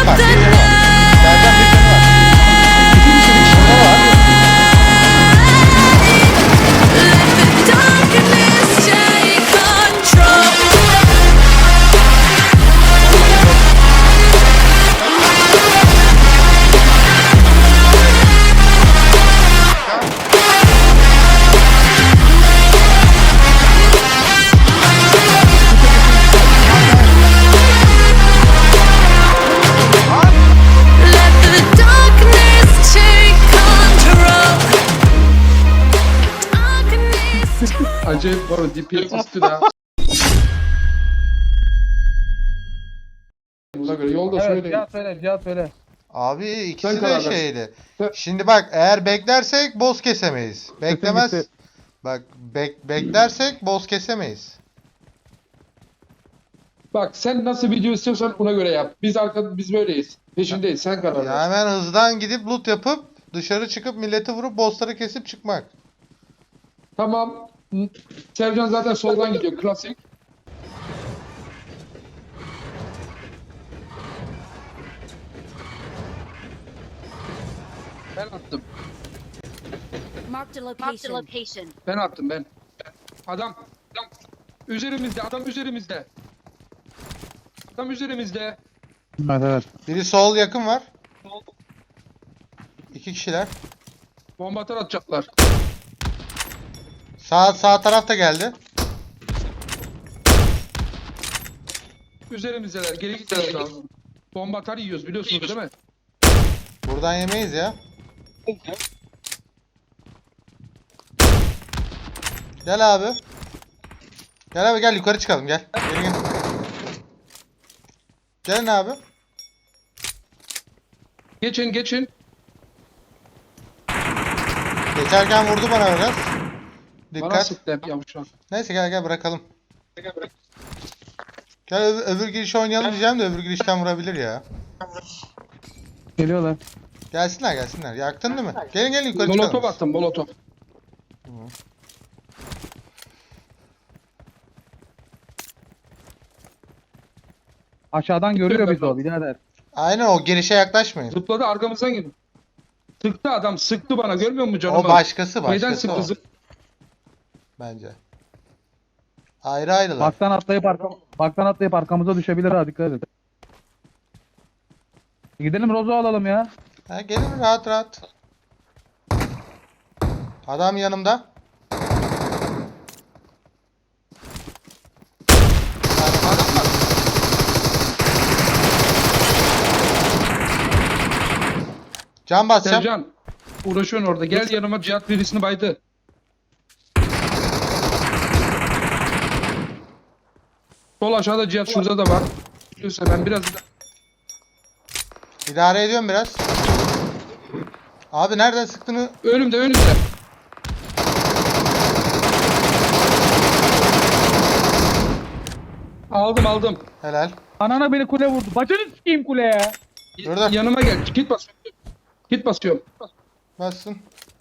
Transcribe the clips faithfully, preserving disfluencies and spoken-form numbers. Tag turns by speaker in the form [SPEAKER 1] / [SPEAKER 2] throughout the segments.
[SPEAKER 1] canı var. Bir canı var. Sercan bir canı var. İki kişi bir kişi daha var.
[SPEAKER 2] Acayip var o D P S üstü de. Buna göre yolda
[SPEAKER 3] Evet,
[SPEAKER 2] söyleyin.
[SPEAKER 3] Cihat söyle, Cihat söyle.
[SPEAKER 1] Abi ikisi
[SPEAKER 2] Sen
[SPEAKER 1] de
[SPEAKER 2] karar ver.
[SPEAKER 1] şeydi.
[SPEAKER 2] Sen-
[SPEAKER 1] Şimdi bak eğer beklersek boss kesemeyiz. Beklemez.
[SPEAKER 3] gitti.
[SPEAKER 1] Bak bek beklersek boss kesemeyiz.
[SPEAKER 2] Bak sen nasıl video istiyorsan ona göre yap. Biz arkada biz böyleyiz. Peşindeyiz. Sen karar
[SPEAKER 1] Ya
[SPEAKER 2] ver.
[SPEAKER 1] hemen hızdan gidip loot yapıp dışarı çıkıp milleti vurup bossları kesip çıkmak.
[SPEAKER 2] Tamam. Hı. Sercan zaten soldan gidiyor. Klasik. Ben attım.
[SPEAKER 4] Marked a
[SPEAKER 5] Marked a
[SPEAKER 4] location.
[SPEAKER 5] location.
[SPEAKER 2] Ben attım ben. Adam. Adam. Üzerimizde. Adam üzerimizde. Adam üzerimizde.
[SPEAKER 3] Evet evet.
[SPEAKER 1] Biri sol yakın var. İki kişiler.
[SPEAKER 2] Bomba atar atacaklar.
[SPEAKER 1] Sağ sağ taraf da geldi.
[SPEAKER 2] Üzerimizdeler. Geri gitmemiz lazım. Bomba atar yiyoruz biliyorsunuz değil mi?
[SPEAKER 1] Buradan yemeyiz ya. Gel abi. Gel abi gel yukarı çıkalım gel. Gel gel. Gelin abi.
[SPEAKER 2] Geçin geçin.
[SPEAKER 1] Geçerken vurdu bana biraz.
[SPEAKER 2] Bana
[SPEAKER 1] Dikkat.
[SPEAKER 2] sıktı hep yavşak.
[SPEAKER 1] Neyse gel gel bırakalım. Gel öbür, öbür girişi oynayalım diyeceğim de öbür girişten vurabilir ya.
[SPEAKER 3] Geliyorlar.
[SPEAKER 1] Gelsinler gelsinler. Yaktın değil mi? Gelin gelin yukarı
[SPEAKER 2] Molotov
[SPEAKER 1] çıkalım.
[SPEAKER 2] attım molotov.
[SPEAKER 3] Aşağıdan görüyor bizi o birader.
[SPEAKER 1] Aynen o girişe yaklaşmayın.
[SPEAKER 2] Zıpladı arkamızdan geldi. Sıktı adam sıktı bana görmüyor musun canımı?
[SPEAKER 1] O başkası
[SPEAKER 2] Neyden
[SPEAKER 1] başkası
[SPEAKER 2] sıktı
[SPEAKER 1] o.
[SPEAKER 2] zıp?
[SPEAKER 1] Bence. Ayrı ayrılar.
[SPEAKER 3] Baktan atlayıp arka, baktan atlayıp arkamıza düşebilir ha, dikkat et. Gidelim Rozo alalım ya.
[SPEAKER 1] Ha, gelin rahat rahat. Adam yanımda.
[SPEAKER 2] Adam var.
[SPEAKER 1] Can basacağım.
[SPEAKER 2] Sercan. Uğraşıyorsun orada. Gel yanıma Cihat birisini baydı. Sol aşağıda Cihat şurada da var. Diyorsa ben biraz da...
[SPEAKER 1] İdare ediyorum biraz. Abi nereden sıktığını
[SPEAKER 2] Önümde önümde. Aldım aldım.
[SPEAKER 1] helal.
[SPEAKER 3] Anana beni kule vurdu. Bacını sikeyim kuleye.
[SPEAKER 1] Dur dur.
[SPEAKER 2] Yanıma gel. Git basıyorum. Git basıyorum.
[SPEAKER 1] Bassın.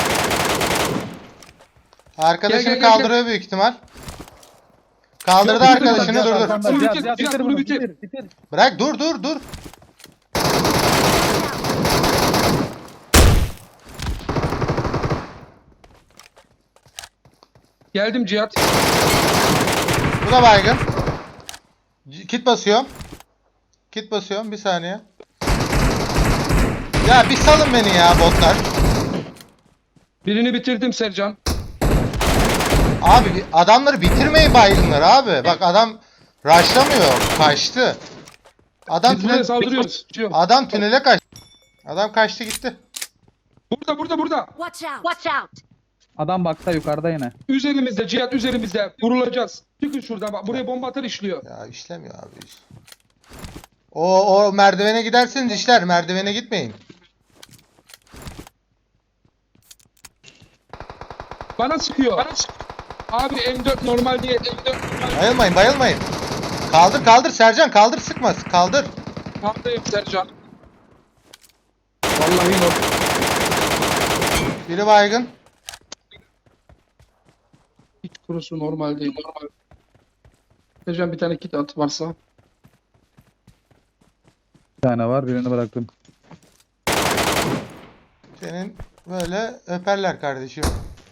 [SPEAKER 1] Arkadaşını
[SPEAKER 2] Gel, gel, gel,
[SPEAKER 1] kaldırıyor büyük ihtimal. Kaldırdı
[SPEAKER 2] Yok, bitir
[SPEAKER 1] arkadaşını
[SPEAKER 2] lan,
[SPEAKER 1] dur dur.
[SPEAKER 3] Arkanda,
[SPEAKER 2] Bunu
[SPEAKER 3] Cihat,
[SPEAKER 2] bitir,
[SPEAKER 3] Cihat,
[SPEAKER 2] Cihat,
[SPEAKER 3] bitir
[SPEAKER 2] bunu
[SPEAKER 3] bunu,
[SPEAKER 2] bitir.
[SPEAKER 3] bitir, bitir.
[SPEAKER 1] Bırak dur dur dur.
[SPEAKER 2] Geldim Cihat.
[SPEAKER 1] Bu da baygın. C- Kit basıyorum. Kit basıyorum bir saniye. Ya bir salın beni ya botlar.
[SPEAKER 2] Birini bitirdim Sercan.
[SPEAKER 1] Abi bir- adamları bitirmeyin baygınları abi. Bak adam rushlamıyor. Kaçtı. Adam
[SPEAKER 2] Biz buraya
[SPEAKER 1] tünel,
[SPEAKER 2] saldırıyoruz. Cihat.
[SPEAKER 1] adam tünele kaçtı. Adam kaçtı gitti.
[SPEAKER 2] Burada burada burada.
[SPEAKER 4] Watch out.
[SPEAKER 5] Watch out.
[SPEAKER 3] Adam bakta yukarıda yine.
[SPEAKER 2] Üzerimizde Cihat üzerimizde. Vurulacağız. Çıkın şuradan bak. Buraya bomba atar işliyor.
[SPEAKER 1] Ya işlemiyor abi. O o merdivene giderseniz işler. Merdivene gitmeyin.
[SPEAKER 2] Bana sıkıyor. Bana sıkıyor. Abi M dört normal değil. M dört normal.
[SPEAKER 1] Bayılmayın bayılmayın. Kaldır kaldır Sercan kaldır sıkma kaldır.
[SPEAKER 2] Tamdayım Sercan. Vallahi normal.
[SPEAKER 1] Biri baygın.
[SPEAKER 2] Hiç kurusu normal değil. Normal. Sercan bir tane kit at varsa.
[SPEAKER 3] Bir tane var, birini bıraktım.
[SPEAKER 1] Senin böyle öperler kardeşim.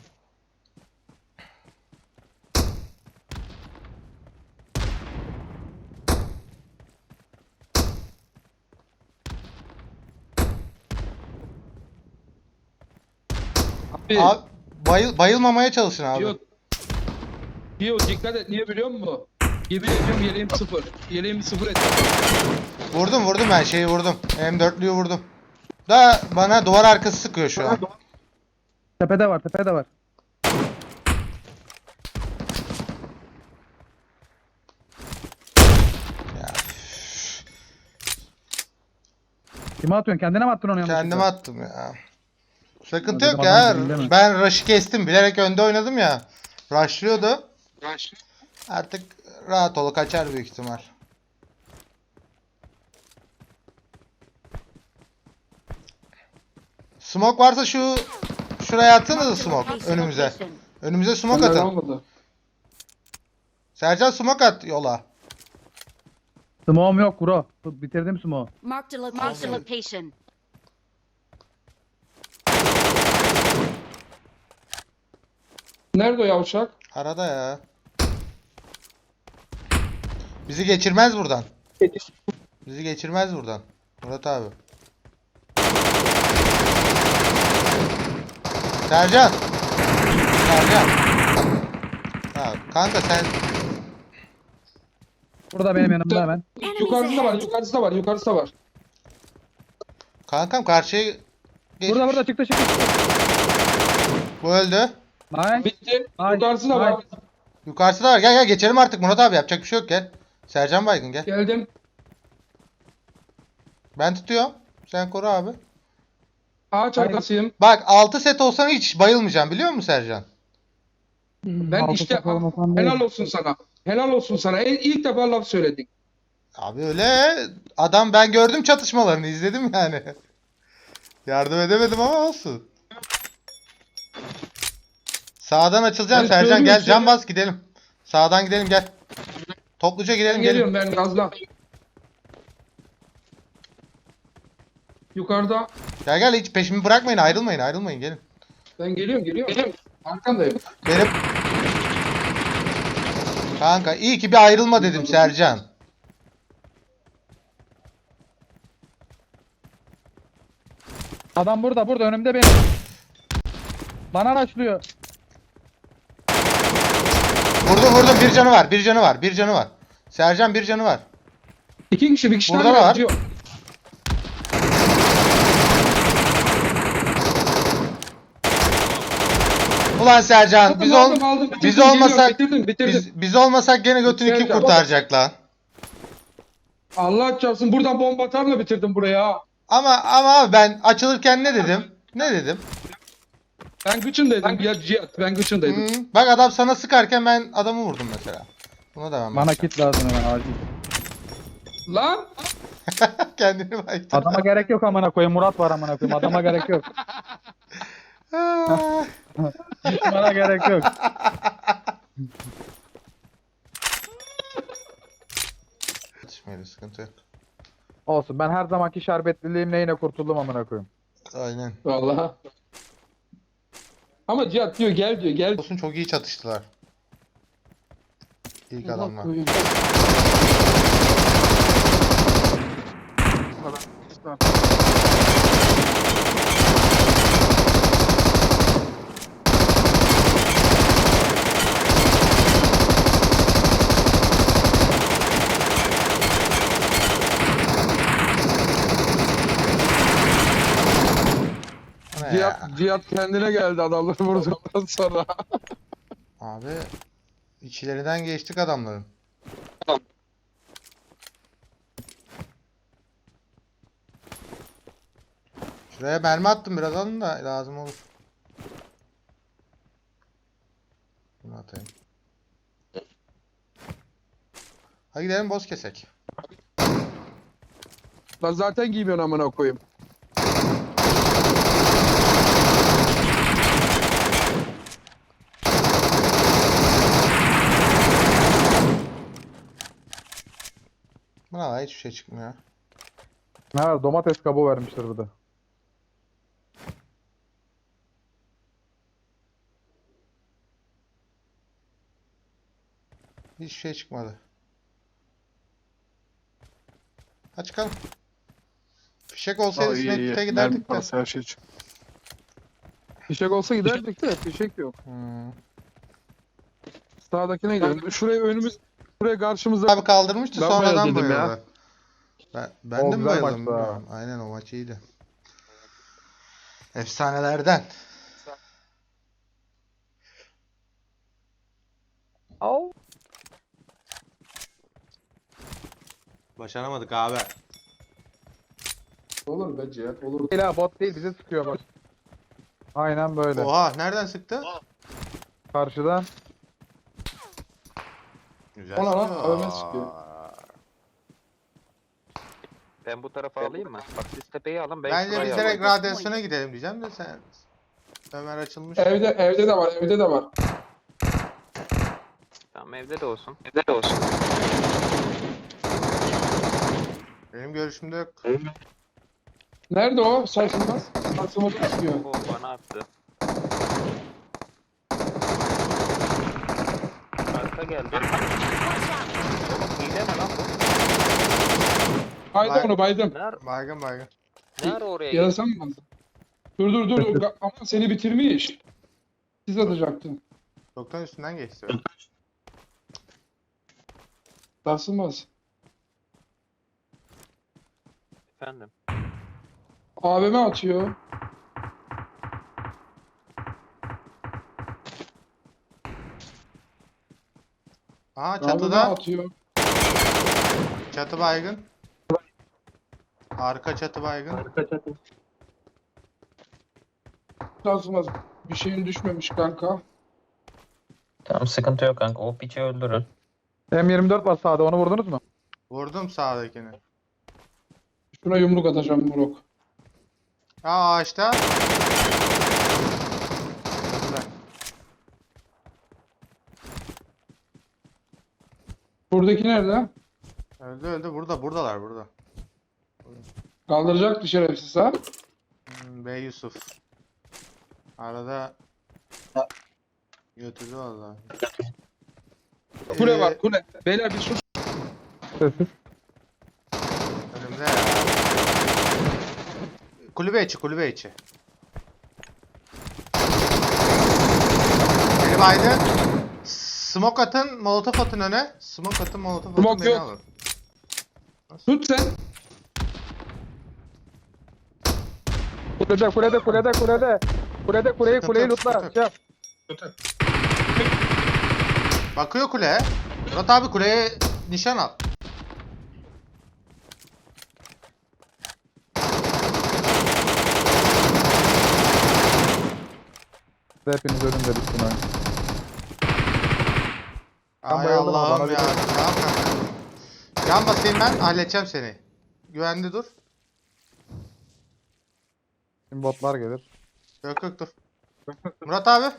[SPEAKER 2] Abi,
[SPEAKER 1] Abi bayıl, bayılmamaya çalışın abi.
[SPEAKER 2] Yok. Yok dikkat et niye biliyor musun? Yemin ediyorum yeleğim sıfır. Yeleğimi sıfır et.
[SPEAKER 1] Vurdum vurdum ben şeyi vurdum. M dörtlüyü vurdum. Da bana duvar arkası sıkıyor şu an.
[SPEAKER 3] Tepede var, tepede var.
[SPEAKER 1] Ya,
[SPEAKER 3] Kime atıyorsun? Kendine mi attın onu yanlışlıkla?
[SPEAKER 1] kendime attım ya. Sıkıntı
[SPEAKER 3] Dedim
[SPEAKER 1] yok ya.
[SPEAKER 3] adam değil mi?
[SPEAKER 1] Ben rush'ı kestim. Bilerek önde oynadım ya. Rushlıyordu. Artık rahat ol, kaçar büyük ihtimal. Smoke varsa şu şuraya atsanıza
[SPEAKER 4] Marked a
[SPEAKER 1] smoke
[SPEAKER 4] location.
[SPEAKER 1] önümüze.
[SPEAKER 4] Location.
[SPEAKER 1] Önümüze smoke
[SPEAKER 2] Benden
[SPEAKER 1] atın.
[SPEAKER 2] olmadı.
[SPEAKER 1] Sercan smoke at yola.
[SPEAKER 3] Smoke'um yok bro. Bitirdim smoke.
[SPEAKER 4] Marked a location. Marked a location.
[SPEAKER 2] Nerede o yavşak?
[SPEAKER 1] Arada ya. Bizi geçirmez buradan. Bizi geçirmez buradan. Murat abi. Sercan. Sercan. Ha, kanka sen
[SPEAKER 3] Burada benim yanımda hemen.
[SPEAKER 2] Yukarısı da var, yukarısı da var, yukarısı da var.
[SPEAKER 1] kankam karşıya geç.
[SPEAKER 3] Burada burada çıktı çıktı.
[SPEAKER 1] Bu öldü.
[SPEAKER 3] Nice.
[SPEAKER 2] Bitti.
[SPEAKER 3] Ay,
[SPEAKER 2] Yukarısı da
[SPEAKER 3] ay.
[SPEAKER 2] var.
[SPEAKER 1] Yukarısı da var. Gel gel geçelim artık Murat abi, yapacak bir şey yok, gel. Sercan baygın gel.
[SPEAKER 2] Geldim.
[SPEAKER 1] Ben tutuyorum. Sen koru abi.
[SPEAKER 2] Ağaç arkasıyım.
[SPEAKER 1] Bak altı set olsan hiç bayılmayacağım biliyor musun Sercan?
[SPEAKER 2] Ben
[SPEAKER 3] Altı
[SPEAKER 2] işte
[SPEAKER 3] sakal olmasam değil.
[SPEAKER 2] helal olsun sana. Helal olsun sana. En ilk defa laf söyledik.
[SPEAKER 1] Abi öyle adam, ben gördüm çatışmalarını, izledim yani. Yardım edemedim ama olsun. Sağdan açılacağım
[SPEAKER 2] Ben
[SPEAKER 1] Sercan,
[SPEAKER 2] söyleyeyim
[SPEAKER 1] gel
[SPEAKER 2] size.
[SPEAKER 1] can bas gidelim. Sağdan gidelim gel. Topluca gidelim
[SPEAKER 2] Ben
[SPEAKER 1] gelin.
[SPEAKER 2] geliyorum ben gazla. Yukarıda.
[SPEAKER 1] Gel gel, hiç peşimi bırakmayın, ayrılmayın ayrılmayın gelin.
[SPEAKER 2] Ben geliyorum geliyorum. Geliyorum. Arkandayım.
[SPEAKER 1] Benim kanka iyi ki bir ayrılma dedim Sercan.
[SPEAKER 3] Adam burada burada önümde benim. Bana raşlıyor.
[SPEAKER 1] Vurdum vurdum, bir canı var bir canı var bir canı var. Sercan bir canı var.
[SPEAKER 2] İki kişi bir kişi
[SPEAKER 1] Burada
[SPEAKER 2] daha
[SPEAKER 1] da var.
[SPEAKER 2] yazıyor.
[SPEAKER 1] Ulan Sercan biz, ol
[SPEAKER 2] Aldım, aldım, bitirdim,
[SPEAKER 1] biz
[SPEAKER 2] geliyorum,
[SPEAKER 1] olmasak
[SPEAKER 2] bitirdim, bitirdim.
[SPEAKER 1] biz, biz olmasak gene götünü kim
[SPEAKER 2] Sercan.
[SPEAKER 1] kurtaracak lan?
[SPEAKER 2] Allah çarpsın buradan bomba atarla bitirdim buraya.
[SPEAKER 1] Ama ama abi ben açılırken ne dedim? Ne dedim?
[SPEAKER 2] Ben gıçındaydım ya Cihat. Ben gıçındaydım.
[SPEAKER 1] Hı, bak adam sana sıkarken ben adamı vurdum mesela. Buna devam
[SPEAKER 3] Bana
[SPEAKER 1] et.
[SPEAKER 3] kit lazım hemen acil.
[SPEAKER 2] Lan.
[SPEAKER 1] Kendini baydı.
[SPEAKER 3] Adama gerek yok amına koyayım. Murat var amına koyayım. Adama gerek yok.
[SPEAKER 1] Ah.
[SPEAKER 3] Bana gerek yok.
[SPEAKER 1] Yetişmedi, sıkıntı yok.
[SPEAKER 3] Olsun, ben her zamanki şerbetliliğimle yine kurtuldum amına koyayım.
[SPEAKER 1] Aynen.
[SPEAKER 2] Vallahi. Ama Cihat diyor gel diyor gel.
[SPEAKER 1] Olsun, çok iyi çatıştılar. İlk adamlar. Bu ne ya?
[SPEAKER 2] Cihat, Cihat kendine geldi adamları vurduktan sonra.
[SPEAKER 1] Abi içlerinden geçtik adamların. Şuraya mermi attım, biraz alın da lazım olur. Bunu atayım. Hadi gidelim boz kesek.
[SPEAKER 2] Lan zaten giymiyorsun amına koyayım.
[SPEAKER 1] Buna da hiçbir şey çıkmıyor.
[SPEAKER 3] Ne var? Domates kabuğu vermişler burada.
[SPEAKER 1] Hiçbir şey çıkmadı. Hadi çıkalım. Fişek olsaydı Snake giderdik de.
[SPEAKER 5] Her şey için.
[SPEAKER 2] Fişek olsa giderdik de fişek yok.
[SPEAKER 1] Hmm.
[SPEAKER 2] Sağdakine gidelim. Şuraya önümüz, şuraya karşımızda.
[SPEAKER 1] Abi kaldırmıştı
[SPEAKER 2] Ben
[SPEAKER 1] sonradan
[SPEAKER 2] bayıldım ya.
[SPEAKER 1] bayıldı. Ben, ben
[SPEAKER 3] O
[SPEAKER 1] de mi
[SPEAKER 3] güzel
[SPEAKER 1] bayıldım
[SPEAKER 3] maçtı ha.
[SPEAKER 1] bilmiyorum. Aynen o maç iyiydi. Efsanelerden.
[SPEAKER 3] Au.
[SPEAKER 1] Başaramadık abi.
[SPEAKER 2] Olur be Cihat, olur.
[SPEAKER 3] Değil ha, bot değil, bize sıkıyor bak. Aynen böyle.
[SPEAKER 1] Oha nereden sıktı?
[SPEAKER 3] Karşıdan.
[SPEAKER 1] Güzel
[SPEAKER 2] Ona lan,
[SPEAKER 1] sıkıyor.
[SPEAKER 2] Ömer sıkıyor.
[SPEAKER 6] Ben bu tarafa alayım mı? Bak siz tepeyi alın ben
[SPEAKER 1] Bence
[SPEAKER 6] şurayı
[SPEAKER 1] biz
[SPEAKER 6] alayım.
[SPEAKER 1] direkt radyasyona gidelim diyeceğim de sen. Ömer açılmış.
[SPEAKER 2] Evde, evde de var, evde de var.
[SPEAKER 6] Tamam evde de olsun. Evde de olsun.
[SPEAKER 1] Benim görüşümde yok.
[SPEAKER 2] Nerede o? Sarsılmaz. Sarsılmaz çıkıyor.
[SPEAKER 6] O bana attı. Arka geldi. Oğlum hile mi lan bu?
[SPEAKER 2] Baydım
[SPEAKER 1] Bay-
[SPEAKER 2] onu, baydım.
[SPEAKER 6] Ne ara,
[SPEAKER 1] Baygın baygın.
[SPEAKER 6] ne ara oraya gitti?
[SPEAKER 2] Yarasam mı? Dur dur dur. Ga- Ama seni bitirmiş. Siz atacaktın.
[SPEAKER 1] Çoktan üstünden geçti.
[SPEAKER 2] Sarsılmaz.
[SPEAKER 6] Efendim.
[SPEAKER 2] A V M atıyor.
[SPEAKER 1] Aha
[SPEAKER 2] A V M
[SPEAKER 1] çatıda.
[SPEAKER 2] atıyor.
[SPEAKER 1] Çatı baygın. Arka çatı baygın.
[SPEAKER 2] Sarsılmaz. Bir şeyin düşmemiş kanka.
[SPEAKER 7] Tamam sıkıntı yok kanka. O piçi öldürün.
[SPEAKER 3] M yirmi dört var sağda, onu vurdunuz mu?
[SPEAKER 1] Vurdum sağdakini.
[SPEAKER 2] Şuna yumruk atacağım Murok.
[SPEAKER 1] Aa ağaçta.
[SPEAKER 2] Buradaki nerede?
[SPEAKER 1] Öldü öldü burada buradalar burada.
[SPEAKER 2] Kaldıracak şerefsiz ha.
[SPEAKER 1] Hmm, Bey Yusuf. Arada götürdü valla.
[SPEAKER 2] Kule
[SPEAKER 1] Ee,
[SPEAKER 2] var kule. Beyler bir sus.
[SPEAKER 3] Sessiz.
[SPEAKER 1] Önümde ya. Kulübe içi kulübe içi. Beni baydı. Smoke atın, molotof atın öne. Smoke atın, molotof atın,
[SPEAKER 2] Smoke
[SPEAKER 1] beni
[SPEAKER 2] yok.
[SPEAKER 1] alın.
[SPEAKER 2] Tut sen.
[SPEAKER 3] Kulede, kulede, kulede, kulede. Kulede, kuleyi,
[SPEAKER 1] Sıkıntı
[SPEAKER 3] kuleyi
[SPEAKER 1] yok,
[SPEAKER 3] lootla.
[SPEAKER 1] sıkıntı
[SPEAKER 3] Şey yap.
[SPEAKER 1] Bakıyor kuleye. Murat abi kuleye nişan al.
[SPEAKER 3] Hepiniz ölün dedik buna. Ben
[SPEAKER 1] Ay
[SPEAKER 3] bayıldım ama
[SPEAKER 1] Allah'ım
[SPEAKER 3] bana
[SPEAKER 1] ya.
[SPEAKER 3] bir-
[SPEAKER 1] Tamam kanka. Can basayım ben, halledeceğim seni. Güvende dur.
[SPEAKER 3] Şimdi botlar gelir.
[SPEAKER 1] Yok yok dur. Murat abi.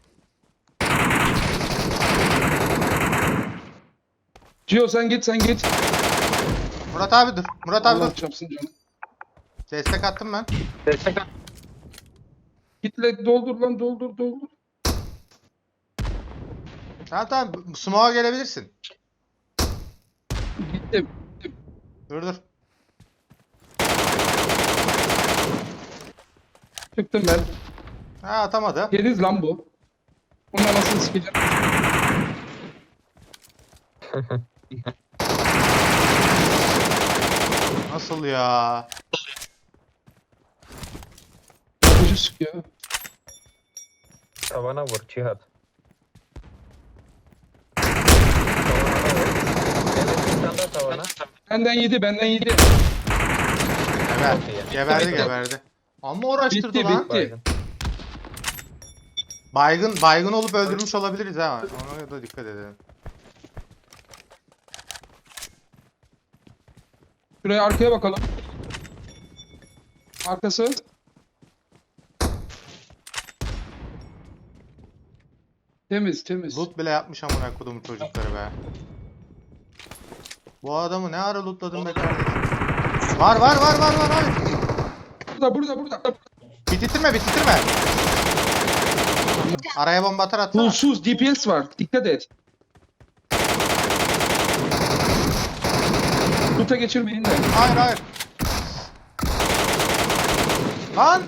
[SPEAKER 2] Gio sen git sen git.
[SPEAKER 1] Murat abi dur. Murat abi
[SPEAKER 2] Allah
[SPEAKER 1] dur.
[SPEAKER 2] çarpsın canım.
[SPEAKER 1] Destek attım ben.
[SPEAKER 2] Gitle doldur lan doldur doldur.
[SPEAKER 1] Tamam tamam. Smoke'a gelebilirsin.
[SPEAKER 2] Gittim.
[SPEAKER 1] Dur dur.
[SPEAKER 2] Çıktım ben.
[SPEAKER 1] Ha atamadı.
[SPEAKER 2] Geriz lan bu. Bunun anasını sikeceğim.
[SPEAKER 1] Nasıl ya?
[SPEAKER 2] Yapıcı sıkıyor.
[SPEAKER 7] Tavana vur Cihat. Tavana vur. Evet bir tane daha tavana.
[SPEAKER 2] Benden yedi benden yedi.
[SPEAKER 1] Geber.
[SPEAKER 7] Çok iyi.
[SPEAKER 1] Geberdi
[SPEAKER 2] Bitti.
[SPEAKER 1] geberdi. Amma uğraştırdı
[SPEAKER 2] Bitti
[SPEAKER 1] lan.
[SPEAKER 2] bitti.
[SPEAKER 7] Baygın.
[SPEAKER 1] Baygın baygın olup öldürmüş olabiliriz ha. Ona da dikkat edelim.
[SPEAKER 2] Şuraya arkaya bakalım. Arkası. Temiz temiz.
[SPEAKER 1] Loot bile yapmış amına kodumun çocukları be. Bu adamı ne ara lootladın be kardeşim? Var var var var var. var.
[SPEAKER 2] Burada burada burada.
[SPEAKER 1] Bitirme bitirme. Araya bomba atar atsana.
[SPEAKER 2] Pulsuz D P S var. Dikkat et. Tuta geçirmeyin de.
[SPEAKER 1] Hayır hayır. Lan.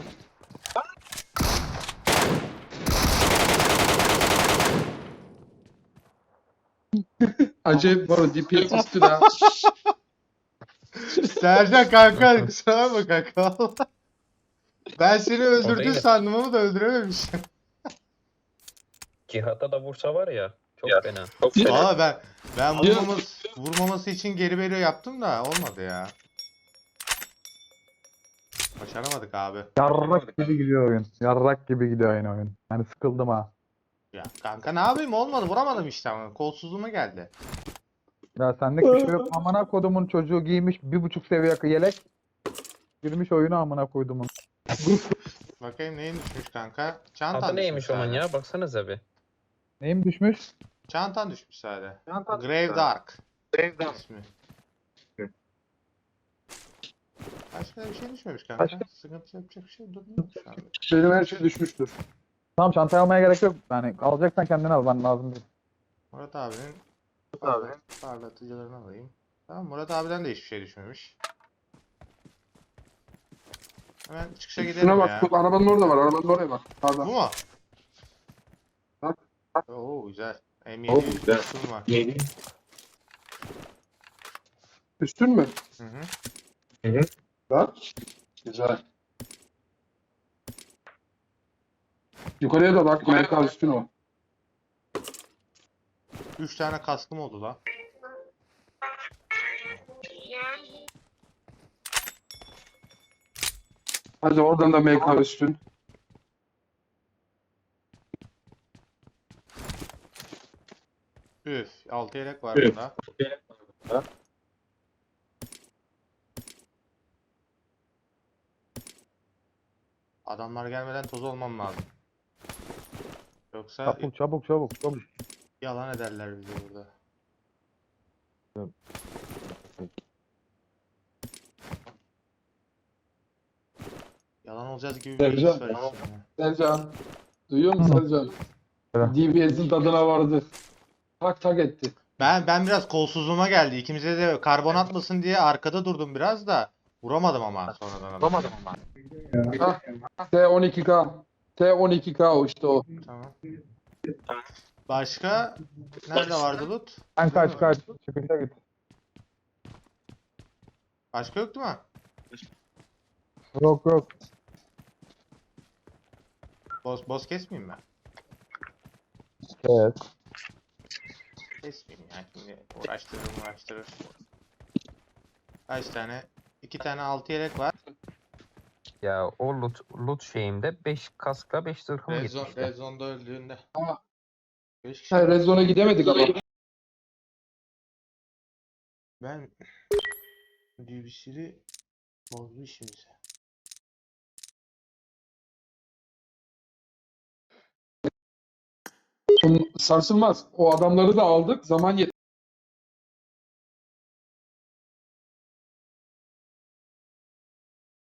[SPEAKER 2] Acayip var o D P S üstüne. ha.
[SPEAKER 1] Sercan kanka kusura bakma kanka. Ben seni öldürdün
[SPEAKER 7] değil.
[SPEAKER 1] sandım ama da öldürememişim.
[SPEAKER 7] Cihat'a da vursa var ya. Çok fena. Çok
[SPEAKER 1] Valla ben ben vurmaması, vurmaması için geri veriyor yaptım da olmadı ya. Başaramadık abi.
[SPEAKER 3] Yarrak gibi gidiyor oyun. Yarrak gibi gidiyor yine oyun. Yani sıkıldım ha.
[SPEAKER 1] Ya kanka ne yapayım olmadı vuramadım işte ama kolsuzluğuma geldi.
[SPEAKER 3] Ya senlik bir şey yok. Amına kodumun çocuğu giymiş bir buçuk seviye yelek. Girmiş oyunu amına koydumun.
[SPEAKER 1] Bakayım neyin düşmüş kanka? Çantan
[SPEAKER 7] Adı neymiş
[SPEAKER 1] düşmüş
[SPEAKER 7] onun
[SPEAKER 1] sadece.
[SPEAKER 7] ya? Baksanıza bir.
[SPEAKER 3] Neyim düşmüş?
[SPEAKER 1] Çantan düşmüş sadece. Grave Dark. Grave Dark. İsmi. Başka bir şey düşmemiş kanka.
[SPEAKER 3] Başka-
[SPEAKER 1] Sıkıntı yapacak bir şey durmuyor şu anda.
[SPEAKER 2] Benim her şey düşmüştür.
[SPEAKER 3] Tamam çantayı almaya gerek yok. Yani alacaksan kendini al. Ben lazım değil.
[SPEAKER 1] Murat abinin Murat abinin parlatıcılarını alayım. Tamam Murat abiden de hiçbir şey düşmemiş. Hemen çıkışa gidelim
[SPEAKER 2] Şuna bak.
[SPEAKER 1] ya.
[SPEAKER 2] Tut, arabanın orada var. Arabanın oraya bak.
[SPEAKER 1] Bu
[SPEAKER 2] Sağda.
[SPEAKER 1] mu?
[SPEAKER 2] Bak.
[SPEAKER 1] Oo güzel. M
[SPEAKER 2] Oo,
[SPEAKER 1] yedi
[SPEAKER 2] güzel.
[SPEAKER 1] üstüm var.
[SPEAKER 2] Üstün mü?
[SPEAKER 1] Hı hı.
[SPEAKER 2] Bak. Güzel. Yukarıya da bak. Amerika üstün o.
[SPEAKER 1] Üç tane kaskım oldu la.
[SPEAKER 2] Hadi oradan da M K üstün.
[SPEAKER 1] Üf. Altı yelek var
[SPEAKER 2] Üf.
[SPEAKER 1] burada. Adamlar gelmeden toz olmam lazım. Yoksa
[SPEAKER 3] Çabuk çabuk çabuk çabuk.
[SPEAKER 1] yalan ederler bizi burada. Yalan olacağız gibi bir his var
[SPEAKER 2] Sercan.
[SPEAKER 1] içimde.
[SPEAKER 2] Sercan. Duyuyor musun Sercan?
[SPEAKER 3] Evet.
[SPEAKER 2] D B S'in tadına vardı. Tak tak etti.
[SPEAKER 1] Ben ben biraz kolsuzluğuma geldi. İkimize de karbon atmasın diye arkada durdum biraz da vuramadım ama sonradan. Vuramadım ama.
[SPEAKER 2] T on iki K. T on iki K o işte o.
[SPEAKER 1] Tamam. Başka nerede vardı loot?
[SPEAKER 3] Sen kaç kaç. Çıkışa git.
[SPEAKER 1] Başka yok değil mi?
[SPEAKER 3] Yok yok.
[SPEAKER 1] Boss, boss kesmeyeyim mi?
[SPEAKER 3] Evet.
[SPEAKER 1] Kesmeyeyim ya. Şimdi uğraştırır uğraştırır. Kaç tane? İki tane altı yelek var.
[SPEAKER 7] Ya o loot, loot şeyimde beş kaskla beş zırhım
[SPEAKER 1] Red, zone,
[SPEAKER 7] gitmişti.
[SPEAKER 1] Red Zone'da öldüğünde.
[SPEAKER 2] Aa.
[SPEAKER 1] beş kişi.
[SPEAKER 2] Hayır, Red Zone'a gidemedik ama.
[SPEAKER 1] Ben D B C'li bozdu işimizi.
[SPEAKER 2] Sarsılmaz. O adamları da aldık. Zaman yet